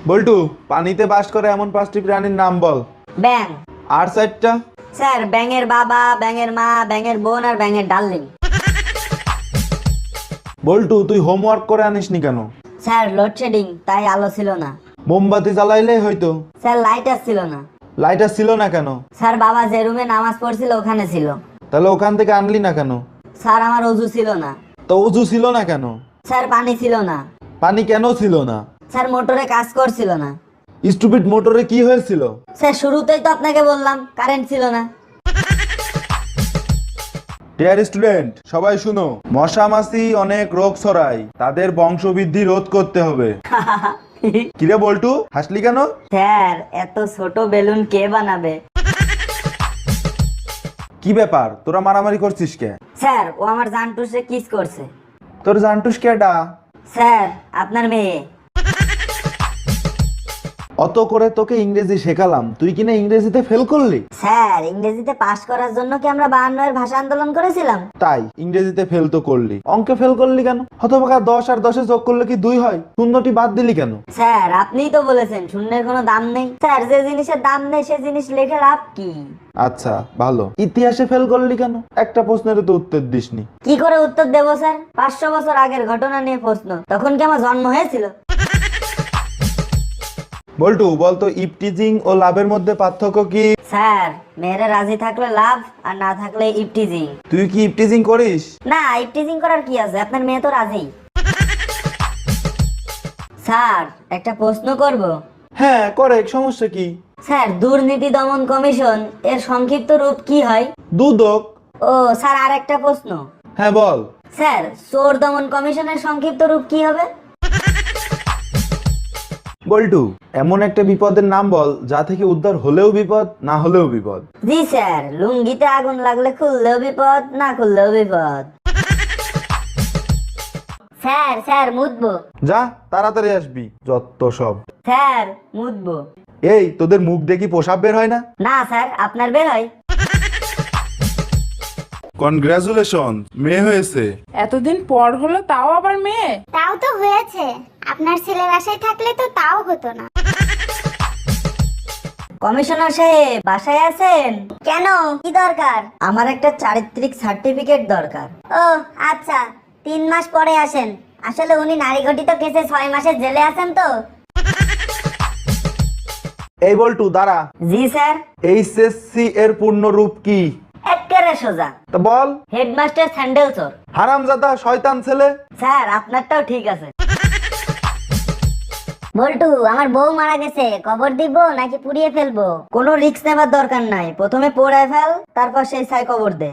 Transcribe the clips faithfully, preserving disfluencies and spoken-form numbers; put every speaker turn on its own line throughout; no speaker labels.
বল্টু, পানিতে বাস করে এমন পাঁচটি প্রাণীর নাম বল।
ব্যাং।
আর চারটা?
স্যার, ব্যাঙের বাবা, ব্যাঙের মা, ব্যাঙের বোন আর ব্যাঙের ডার্লিং।
বল্টু, তুই হোমওয়ার্ক করে আনিসনি কেন?
স্যার, লোডশেডিং, তাই আলো ছিল না।
মোমবাতি জ্বালাইলেই হয়তো।
স্যার, লাইট আসছিল না।
লাইটার ছিল না কেন?
স্যার, বাবা যে রুমে নামাজ পড়ছিল ওখানে ছিল।
তাহলে ওখান থেকে আনলি না কেন?
স্যার, আমার অজু ছিল না।
তো উজু ছিল না কেন?
স্যার, পানি ছিল না।
পানি কেন ছিল না?
স্যার, মোটরে কাজ করছিল না।
স্টুপিড, মোটরে কি হয়েছিল?
স্যার, শুরুতেই তো আপনাকে বললাম কারেন্ট ছিল না।
ডিয়ার স্টুডেন্ট, সবাই শুনো। মশা মাছি অনেক রোগ ছড়ায়, তাদের বংশবৃদ্ধি রোধ করতে হবে। কিরে বল্টু, হাসলি কেন?
স্যার, এত ছোট বেলুন কে বানাবে?
কি ব্যাপার, তোরা মারামারি করছিস কে?
স্যার, ও আমার জানটুসে কিস করছে।
তোর জানটুস কেডা?
স্যার, আপনার মেয়ে।
অত করে তোকে ইংরেজি শেখালাম, তুই কিনা ইংরেজিতে ফেল করলি?
স্যার, ইংরেজিতে পাশ করার জন্য কি আমরা বায়ান্ন এর ভাষা আন্দোলন করেছিলাম?
তাই ইংরেজিতে ফেল তো করলি, অঙ্কে ফেল করলি কেন? হতভাগা, দশ আর দশে যোগ করলে কি দুই হয়? শূন্যটি বাদ দিলি কেন?
স্যার, আপনিই তো বলেছেন শূন্যের কোনো দাম নেই। স্যার, যে জিনিসের দাম নেই সে জিনিস লেখে লাভ কি?
আচ্ছা ভালো। ইতিহাসে ফেল করলি কেন? একটা প্রশ্নের তো উত্তর দিসনি।
কি করে উত্তর দেবো স্যার? পাঁচশো বছর আগের ঘটনা নিয়ে প্রশ্ন, তখন কি আমার জন্ম হয়েছিল?
বল্টু, বলতো ইপটিজিং ও লাভের মধ্যে পার্থক্য কি?
স্যার, মেয়েরা রাজি থাকলে লাভ আর না থাকলে ইপটিজিং।
তুই কি ইপটিজিং করিস?
না, ইপটিজিং করার কি আছে, আপনার মেয়ে তো রাজি। স্যার, একটা প্রশ্ন করব।
হ্যাঁ করে, সমস্যা কি?
স্যার, দুর্নীতি দমন কমিশন এর সংক্ষিপ্ত রূপ কি হয়?
দুদক।
ও স্যার, আর একটা প্রশ্ন।
হ্যাঁ বল।
স্যার, চোর দমন কমিশনের সংক্ষিপ্ত রূপ কি হবে?
বল্টু, এমন একটা বিপদের নাম বল যা থেকে উদ্ধার হলেও বিপদ, না হলেও বিপদ।
জি স্যার, লুঙ্গিতে আগুন লাগলে খুললেও বিপদ, না খুললেও বিপদ। স্যার, স্যার মুতবো।
যা, তাড়াতাড়ি আসবি, যত সব।
স্যার, মুতবো।
এই, তোদের মুখ দেখি পোশাক বের হয় না?
না স্যার, আপনার বের হয়।
কনগ্রাচুলেশন, মেয়ে হয়েছে।
এতদিন পর হলো, তাও আবার মেয়ে।
তাও তো হয়েছে, আপনার ছেলের আশায় থাকলে তো তাও হতো না।
কমিশনার সাহেব বাসায় আছেন? কেন, কি দরকার? আমার একটা চারিত্রিক সার্টিফিকেট দরকার। ও আচ্ছা, তিন মাস পরে আসেন। আসলে উনি নারী ঘটিত কেসে ছয় মাসের জেলে আছেন তো।
এই বল্টু, দাঁড়া।
জি স্যার।
এইচএসসি এর পূর্ণ রূপ কি?
একেবারে সোজা।
তা বল।
হেডমাস্টার স্যান্ডেল চোর।
হারামজাদা, শয়তান ছেলে।
স্যার, আপনারটাও ঠিক আছে। বল্টু, আমার বউ মারা গেছে, কবর দিব নাকি পুড়িয়ে ফেলবো? কোনো রিস্ক নেবার দরকার নাই, প্রথমে পোড়ায় ফেল, তারপর সেই ছাই কবর দে।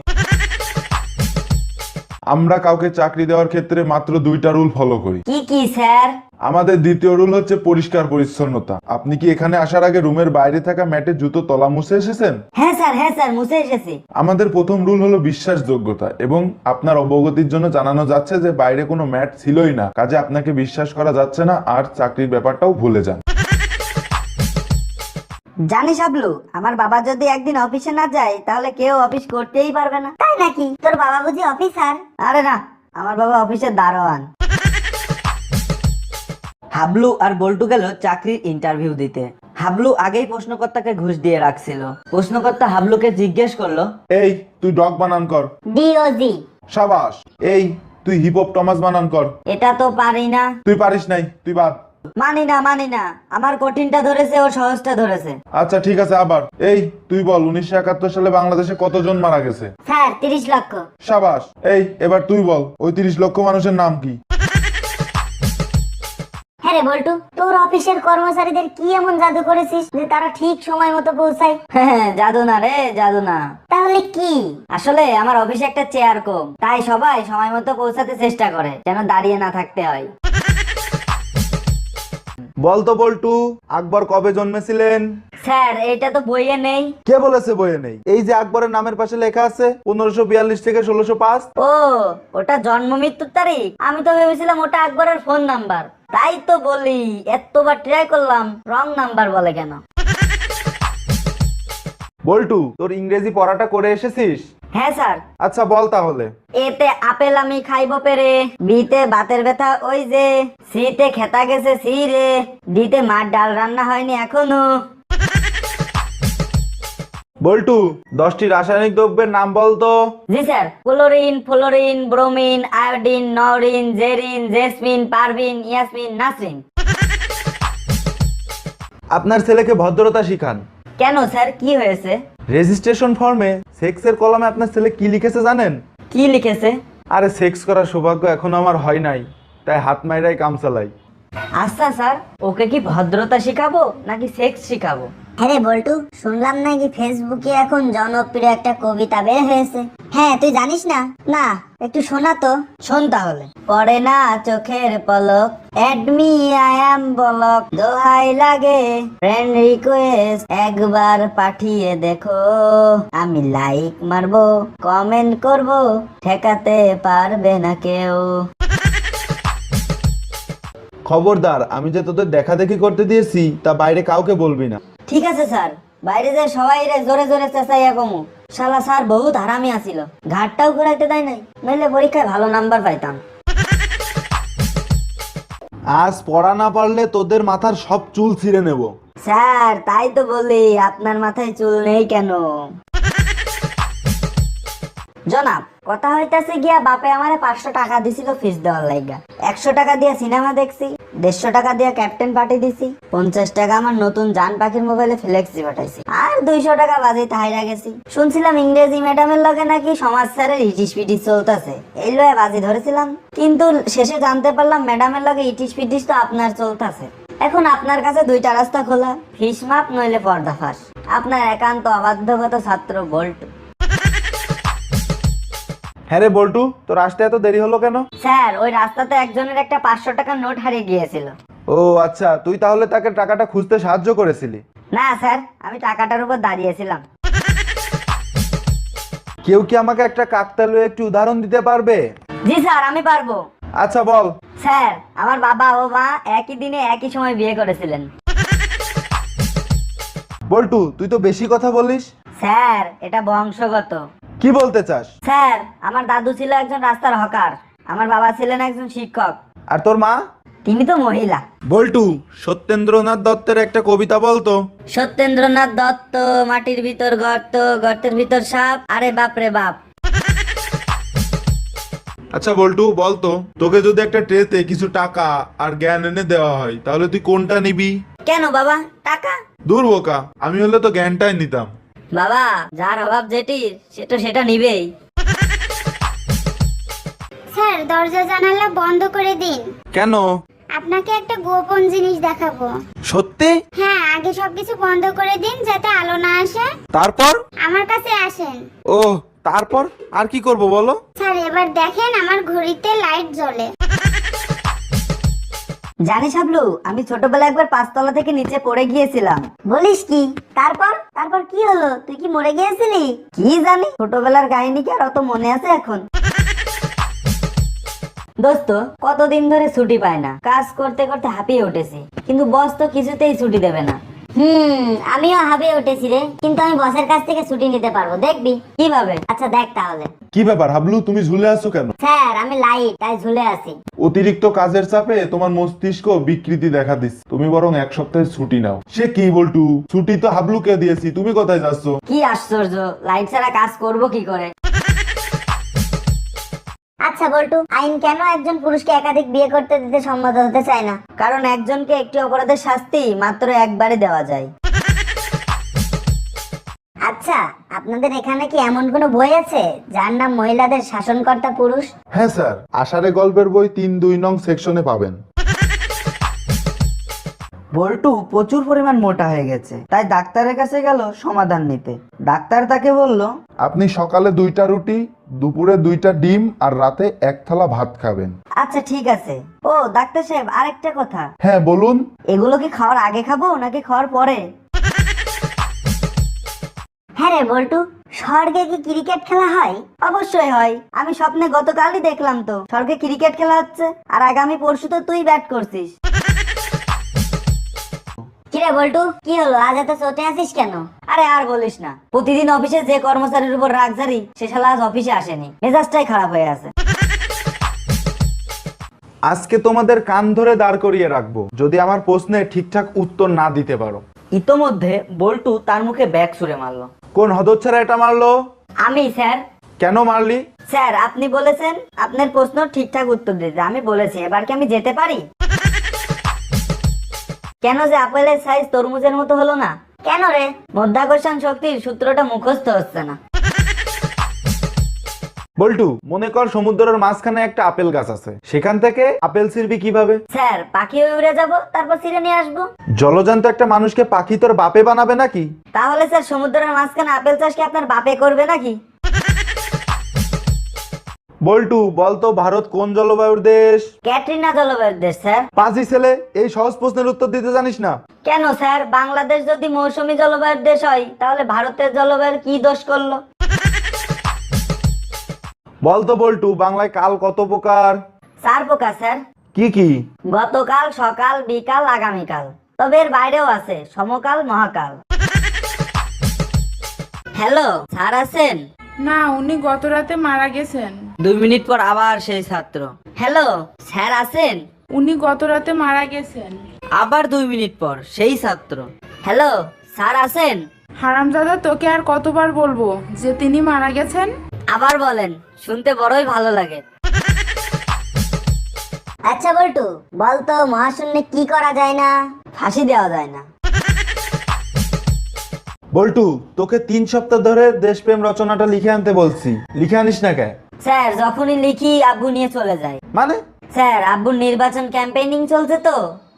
আমরা কাউকে চাকরি দেওয়ার ক্ষেত্রে মাত্র দুইটা রুল ফলো করি।
কি কি স্যার?
আমাদের দ্বিতীয় রুল হচ্ছে পরিষ্কার পরিচ্ছন্নতা। আপনি কি এখানে আসার আগে রুমের বাইরে থাকা ম্যাটে জুতো তলা মুছে এসেছেন?
হ্যাঁ স্যার, হ্যাঁ স্যার, মুছে এসেছি।
আমাদের প্রথম রুল হলো বিশ্বাসযোগ্যতা, এবং আপনার অবগতির জন্য জানানো যাচ্ছে যে বাইরে কোনো ম্যাট ছিলই না, কাজে আপনাকে বিশ্বাস করা যাচ্ছে না, আর চাকরির ব্যাপারটাও ভুলে যান।
জানিস হাবলু, আমার বাবা যদি একদিন অফিসে না যায় তাহলে কেউ অফিস করতেই পারবে না। তাই নাকি? তোর বাবা বুঝি অফিসার? আরে না, আমার বাবা অফিসের দারোয়ান।
হাবলু আর বল্টু গেল চাকরির ইন্টারভিউ দিতে। হাবলু আগেই প্রশ্নকর্তাকে ঘুষ দিয়ে রাখছিল। প্রশ্নকর্তা হাবলুকে জিজ্ঞেস করলো,
এই, তুই ডগ বানান কর।
ডিওজি।
সাবাস। এই, তুই হিপহপ টমাস বানান কর।
এটা তো পারি না।
তুই পারিস নাই, তুই বাদ।
মানি না, মানি না, আমার কঠিনটা ধরেছে, ও সহজটা ধরেছে।
আচ্ছা ঠিক আছে, আবার। এই, তুই বল উনিশশো একাত্তর সালে বাংলাদেশে কতজন মারা গেছে?
স্যার, তিরিশ লক্ষ।
সাবাস। এই, এবার তুই বল ওই তিরিশ লক্ষ মানুষের নাম কি?
হ্যাঁ রে বল্টু, তোর অফিসের কর্মচারীদের কি এমন জাদু করেছিস যে তারা ঠিক সময় মতো পৌঁছায়?
হ্যাঁ, জাদু না রে, জাদু না।
তাহলে কি?
আসলে আমার অফিসে একটা চেয়ার কম, তাই সবাই সময় মতো পৌঁছাতে চেষ্টা করে, যেন দাঁড়িয়ে না থাকতে হয়।
বলতো বল্টু, আকবর কবে জন্মেছিলেন?
স্যার, এটা তো বইয়ে নেই।
কে বলেছে বইয়ে নেই? এই যে আকবরের নামের পাশে লেখা আছে পনেরোশো বিয়াল্লিশ থেকে ষোলোশো পাঁচ।
ও, ওটা জন্ম মৃত্যুর তারিখ? আমি তো ভেবেছিলাম ওটা আকবরের ফোন নাম্বার। তাই তো বলি, এতবার ট্রাই করলাম, রং নাম্বার বলে কেন?
বল্টু, তোর ইংরেজি পড়াটা করে এসেছিস?
হ্যাঁ স্যার।
আচ্ছা বল তাহলে।
এতে আপেল আমি খাইব পেরে, বিতে বাতের ব্যথা ওই যে, সিতে খেতা গেছে সি রে, ডিতে মার ডাল রান্না হয়নি এখনো।
বল্টু, দশটি রাসায়নিক দ্রব্যের নাম বলতো।
জি sir. Chlorine, fluorine, bromine, iodine, Norin, Zerin, Jesmin, Parvin, Yasmin, Nasrin.
আপনার ছেলেকে ভদ্রতা শিখান।
কেন স্যার, কি হয়েছে?
রেজিস্ট্রেশন ফর্মে সেক্সের কলামে আপনার ছেলে কি লিখেছে জানেন?
কি লিখেছে?
আরে সেক্স করার সৌভাগ্য এখনো আমার হয় নাই, তাই হাত মাইরাই কাম চালাই।
আচ্ছা স্যার, ওকে কি ভদ্রতা শিখাবো নাকি সেক্স শিখাবো?
হ্যাঁ রে বল্টু, শুনলাম নাকি ফেসবুকে এখন জনপ্রিয় একটা কবিতা বের হয়েছে। হ্যাঁ, তুই জানিস না? না, একটু শোনা তো।
শোন তাহলে। পড়ে না চোখের পলক, এডমি আই অ্যাম বলক, দোহাই লাগে ফ্রেন্ড রিকোয়েস্ট একবার পাঠিয়ে দেখো, আমি লাইক মারবো কমেন্ট করবো, ঠেকাতে পারবে না কেউ।
খবরদার, আমি যে তোদের দেখা দেখি করতে দিয়েছি তা বাইরে কাউকে বলবি না।
ঠিক আছে স্যার, বাইরে যে সবাই রে জোরে জোরে চেঁচাইয়া কমু। শালা স্যার বহুত হারামি আসিল, ঘাটটাও ঘুরাইতে দেয় নাই, নইলে পরীক্ষায় ভালো নাম্বার পাইতাম।
আজ পড়া না পারলে তোদের মাথার সব চুল ছিঁড়ে নেব।
স্যার তাই তো বলি, আপনার মাথায় চুল নেই কেন? জনাব, কথা হইতাছে গিয়া বাপে আমারে পাঁচশো টাকা দিছিল ফিস দেওয়ার লাইগা। একশো টাকা দিয়া সিনেমা দেখছি, দেড়শো টাকা দিয়া ক্যাপ্টেন পার্টি দিছি, পঞ্চাশ টাকা আমার নতুন জান পাখির মোবাইলে ফ্লেক্সি পাঠাইছি, আর দুইশো টাকা বাজে তাইরা গেছি। শুনছিলাম ইংরেজি ম্যাডামের লগে নাকি সমাজ স্যারের ইটিস পিটিস চলতেছে, এই লয়ে বাজি ধরেছিলাম। কিন্তু শেষে জানতে পারলাম ম্যাডামের লগে ইটিস পিটিস তো আপনার চলতেছে। এখন আপনার কাছে দুইটা রাস্তা খোলা, ফিস মাপ নইলে পর্দা ফাঁস। আপনার একান্ত অবাধ্যগত ছাত্র বল্টু।
হ্যাঁ রে বল্টু, তোর আসতে এত দেরি হলো কেন?
স্যার, ওই রাস্তাতে একজনের একটা পাঁচশো টাকার নোট হারিয়ে গিয়েছিল।
ও আচ্ছা, তুই তাহলে তাকে টাকাটা খুঁজতে সাহায্য করেছিলি?
না স্যার, আমি টাকাটার উপর দাঁড়িয়েছিলাম।
কেউ কি আমাকে একটা কাকতালীয় একটি উদাহরণ দিতে পারবে?
জি স্যার, আমি পারবো।
আচ্ছা বল।
স্যার, আমার বাবা ও মা একই দিনে একই সময় বিয়ে করেছিলেন।
বল্টু, তুই তো বেশি কথা বলিস।
স্যার, এটা বংশগত।
কি বলতে চাস?
স্যার, আমার দাদু ছিল একজন রাস্তার হকার, আমার বাবা ছিলেন একজন শিক্ষক,
আর তোর মা?
তিনি তো মহিলা।
বল্টু, সত্যেন্দ্রনাথ দত্তের একটা কবিতা বলতো।
সত্যেন্দ্রনাথ দত্ত, মাটির ভিতর গর্ত, গর্তের ভিতর সাপ, আরে বাপ রে বাপ।
আচ্ছা বল্টু, বলতো তোকে যদি একটা ট্রেতে কিছু টাকা আর জ্ঞান এনে দেওয়া হয় তাহলে তুই কোনটা নিবি?
কেন বাবা, টাকা?
দূর বোকা, আমি হলে তো জ্ঞানটাই নিতাম।
বাবা, যার অভাব যেটির সে তো সেটা নিবেই।
স্যার, দরজা জানালা বন্ধ করে দিন।
কেন?
আপনাকে একটা গোপন জিনিস দেখাবো।
সত্যি?
হ্যাঁ, আগে সবকিছু বন্ধ করে দিন যাতে আলো না আসে।
তারপর?
আমার কাছে আসেন।
ও তারপর আর কি করব বলো?
স্যার, এবার দেখেন আমার ঘড়িতে লাইট জ্বলে।
জানিস হাবলু, আমি ছোটবেলায় একবার পাঁচতলা থেকে নিচে পড়ে গিয়েছিলাম।
বলিস কি? তারপর তারপর কি হলো? তুই কি মরে গিয়েছিলি?
কি জানি, ছোটবেলার কাহিনী কি আর অত মনে আছে এখন? দোস্ত, কতদিন ধরে ছুটি পায় না, কাজ করতে করতে হাঁপিয়ে উঠেছি, কিন্তু বস তো কিছুতেই ছুটি দেবে না।
হুম, আমিও হাঁপিয়ে উঠেছি রে, কিন্তু আমি বসের কাছ থেকে ছুটি নিতে পারবো, দেখবি?
কিভাবে?
আচ্ছা দেখ তাহলে।
কি ব্যাপার হাবলু, তুমি ঝুলে আছো কেন?
স্যার, আমি লাইট, তাই ঝুলে আছি।
অতিরিক্ত কাজের চাপে তোমার মস্তিষ্ক বিকৃতি দেখা দিচ্ছে, তুমি বরং এক সপ্তাহের ছুটি নাও। সে কি বল্টু, ছুটি তো হাবলুকে দিয়েছি, তুমি কোথায় যাচ্ছ?
কি আশ্চর্য, লাইট ছাড়া কাজ করব কি করে?
আচ্ছা বল্টু, আইন কেন একজন পুরুষকে একাধিক বিয়ে করতে দিতে সম্মত হতে চায় না?
কারণ একজনকে একটি অপরাধের শাস্তি মাত্র একবারই দেওয়া যায়।
আচ্ছা, আপনাদের এখানে কি এমন কোনো বই আছে যার নাম মহিলাদের শাসনকর্তা পুরুষ?
হ্যাঁ স্যার, আষাঢ়ে গল্পের বই তিন দুই নং সেকশনে পাবেন।
বল্টু প্রচুর পরিমাণ মোটা হয়ে গেছে, তাই ডাক্তারের কাছে গেল সমাধান নিতে। ডাক্তার তাকে বলল,
আপনি সকালে দুইটা রুটি, দুপুরে দুইটা ডিম আর রাতে এক থালা ভাত খাবেন।
আচ্ছা ঠিক আছে। ও ডাক্তার সাহেব, আরেকটা কথা।
হ্যাঁ বলুন।
এগুলো কি খাওয়ার আগে খাবো নাকি খাওয়ার পরে?
হ্যাঁ রে বল্টু, স্বর্গে কি ক্রিকেট খেলা হয়?
অবশ্যই হয়, আমি স্বপ্নে গতকালই দেখলাম তো স্বর্গে ক্রিকেট খেলা হচ্ছে, আর আগামী পরশু তো তুই ব্যাট করছিস।
কি কিরে বল্টু, কি হলো আজ এত চটে আছিস কেন?
আরে আর বলিস না, প্রতিদিন অফিসে যে কর্মচারীর উপর রাগ ঝাড়ি সে শালা আজ অফিসে আসেনি, মেজাজটাই খারাপ হয়ে আছে।
আজকে তোমাদের কান ধরে দাঁড় করিয়ে রাখবো যদি আমার প্রশ্নে ঠিকঠাক উত্তর না দিতে পারো।
ইতোমধ্যে বল্টু তার মুখে ব্যাগ ছুঁড়ে মারলো।
কোন হতচ্ছাড়া এটা মারলো?
আমি স্যার।
কেন মারলি?
স্যার আপনি বলেছেন আপনার প্রশ্ন ঠিকঠাক উত্তর দিতে, আমি বলেছি এবার কি আমি যেতে পারি? কেন যে আপেলের সাইজ তরমুজের মতো হলো না?
কেন রে?
মধ্যাকর্ষণ শক্তির সূত্রটা মুখস্থ হচ্ছে না।
বল্টু, মনে কর সমুদ্রের মাঝখানে একটা আপেল গাছ আছে, সেখান থেকে আপেল ছিঁড়বি কিভাবে?
স্যার পাখি হয়ে উড়ে যাবো, তারপর ছিঁড়ে নিয়ে আসবো।
জলজান্ত একটা মানুষকে পাখি তোর বাপে বানাবে নাকি?
তাহলে স্যার সমুদ্রের মাঝখানে আপেল চাষ কি আপনার বাপে করবে নাকি?
বল্টু, বলতো ভারত কোন জলবায়ুর দেশ?
ক্যাটরিনা জলবায়ুর দেশ স্যার।
পাঁচই ছেলে, এই সহজ প্রশ্নের উত্তর দিতে জানিস না?
কেন স্যার, বাংলাদেশ যদি মৌসুমী জলবায়ুর দেশ হয় তাহলে ভারতের জলবায়ুর কি দোষ করলো?
বলতো বল্টু, বাংলায় কাল কত প্রকার?
চার প্রকার স্যার।
কি কি?
গতকাল, সকাল, বিকাল, আগামীকাল। তবে এর বাইরেও আছে সমকাল, মহাকাল। হ্যালো, স্যার আছেন?
না, উনি গত রাতে মারা গেছেন।
দুই মিনিট পর আবার সেই ছাত্র।
হ্যালো, স্যার আছেন?
উনি গত রাতে মারা গেছেন।
আবার দুই মিনিট পর সেই ছাত্র।
হ্যালো, স্যার আছেন?
হারামজাদা, তোকে আর কতবার বলবো যে তিনি মারা গেছেন?
আবার বলেন, শুনতে বড়ই ভালো লাগে।
আচ্ছা বল্টু, বলতো মহাশূন্যে কি করা যায় না?
ফাঁসি দেওয়া যায় না।
বল্টু, তোকে তিন সপ্তাহ ধরে দেশপ্রেম রচনাটা লিখে আনতে বলছি, লিখে আনিস না কেন?
স্যার যখনই লিখি আব্বু নিয়ে চলে যায়।
মানে?
স্যার আব্বুর নির্বাচন ক্যাম্পেইনিং চলছে তো।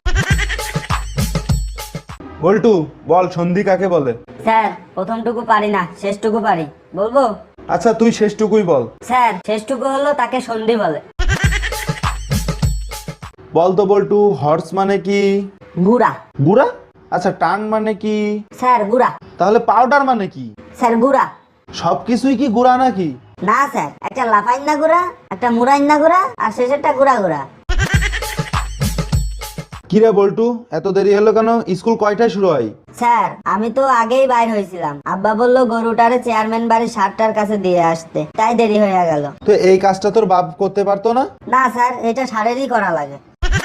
বল্টু, বল সন্ধি কাকে বলে?
স্যার প্রথমটুকু পারি না, শেষটুকু পারি, বলবো?
আচ্ছা তুই শেষটুকুই বল।
স্যার শেষটুকু হলো তাকে সন্ধি বলে।
বলতো বল্টু, হর্স মানে কি?
গুড়া।
গুড়া? আচ্ছা টান মানে কি?
স্যার গুড়া।
তাহলে পাউডার মানে কি?
স্যার গুড়া।
সবকিছুই কি গুড়া নাকি?
না স্যার, একটা লাফাইন্না গুড়া, একটা মুরাইন্না গুড়া, আর শেষেরটা গুড়া গুড়া।
কিরে বল্টু, এত দেরি হলো কেন? স্কুল কয়টায় শুরু হয়?
স্যার আমি তো আগেই বাইর হয়েছিলাম, আব্বা বললো গরুটারে চেয়ারম্যান বাড়ির সাতটার কাছে দিয়ে আসতে, তাই দেরি হয়ে গেল।
তো এই কাজটা তোর বাপ করতে পারতো না?
না স্যার, এটা সারেরই করা লাগে।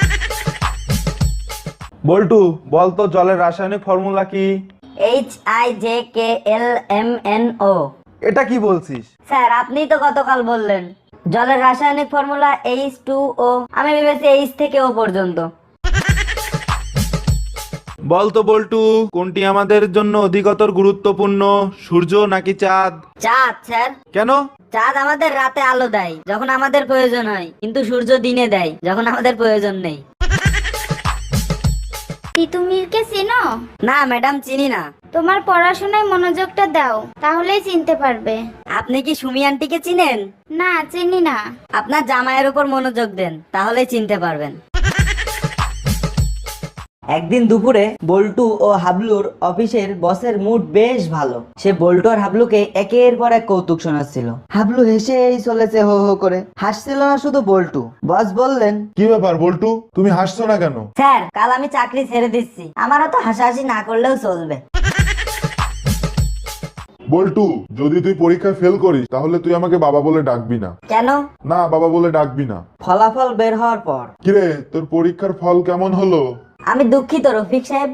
বল্টু, বলতো জলের রাসায়নিক ফর্মুলা কি?
H I J K L M N O.
এটা কি বলছিস?
স্যার আপনিই তো গতকাল বললেন জলের রাসায়নিক ফর্মুলা এইচ টু ও, আমি ভেবেছি এইচ থেকে ও পর্যন্ত।
বলতো বল্টু, কোনটি আমাদের জন্য অধিকতর গুরুত্বপূর্ণ, সূর্য নাকি চাঁদ?
চাঁদ স্যার।
কেন?
চাঁদ আমাদের রাতে আলো দেয় যখন আমাদের প্রয়োজন হয়, কিন্তু সূর্য দিনে দেয় যখন আমাদের প্রয়োজন নেই।
তিতুমিরকে চিনো?
না ম্যাডাম, চিনি না।
তোমার পড়াশোনায় মনোযোগটা দাও, তাহলেই চিনতে পারবে।
আপনি কি সুমি আন্টিকে চিনেন?
না, চিনি না।
আপনার জামাইয়ের উপর মনোযোগ দেন, তাহলেই চিনতে পারবেন।
একদিন দুপুরে বল্টু ও হাবলুর অফিসের বসের মুড বেশ ভালো। সে বল্টু আর হাবলুকে একের পর এক কৌতুক শোনাচ্ছিল। হাবলু হেসেই চলেছে হো হো করে, হাসছিল না শুধু বল্টু। বস বললেন,
কি ব্যাপার বল্টু, তুমি হাসছো না কেন?
স্যার কাল আমি চাকরি ছেড়ে দিচ্ছি, আমারও তো হাসাহাসি না করলেও চলবে।
বল্টু, যদি তুই পরীক্ষায় ফেল করিস তাহলে তুই আমাকে বাবা বলে ডাকবি না।
কেন?
না, বাবা বলে ডাকবি না।
ফলাফল বের হওয়ার পর,
কিরে, তোর পরীক্ষার ফল কেমন হলো?
আমি দুঃখিত রফিক সাহেব।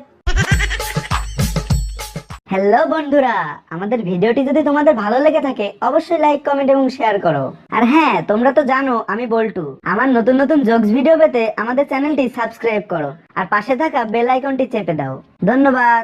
হ্যালো বন্ধুরা, আমাদের ভিডিওটি যদি তোমাদের ভালো লেগে থাকে অবশ্যই লাইক, কমেন্ট এবং শেয়ার করো। আর হ্যাঁ, তোমরা তো জানো আমি বল্টু। আমার নতুন নতুন জোকস ভিডিও পেতে আমাদের চ্যানেলটি সাবস্ক্রাইব করো আর পাশে থাকা বেল আইকনটি চেপে দাও। ধন্যবাদ।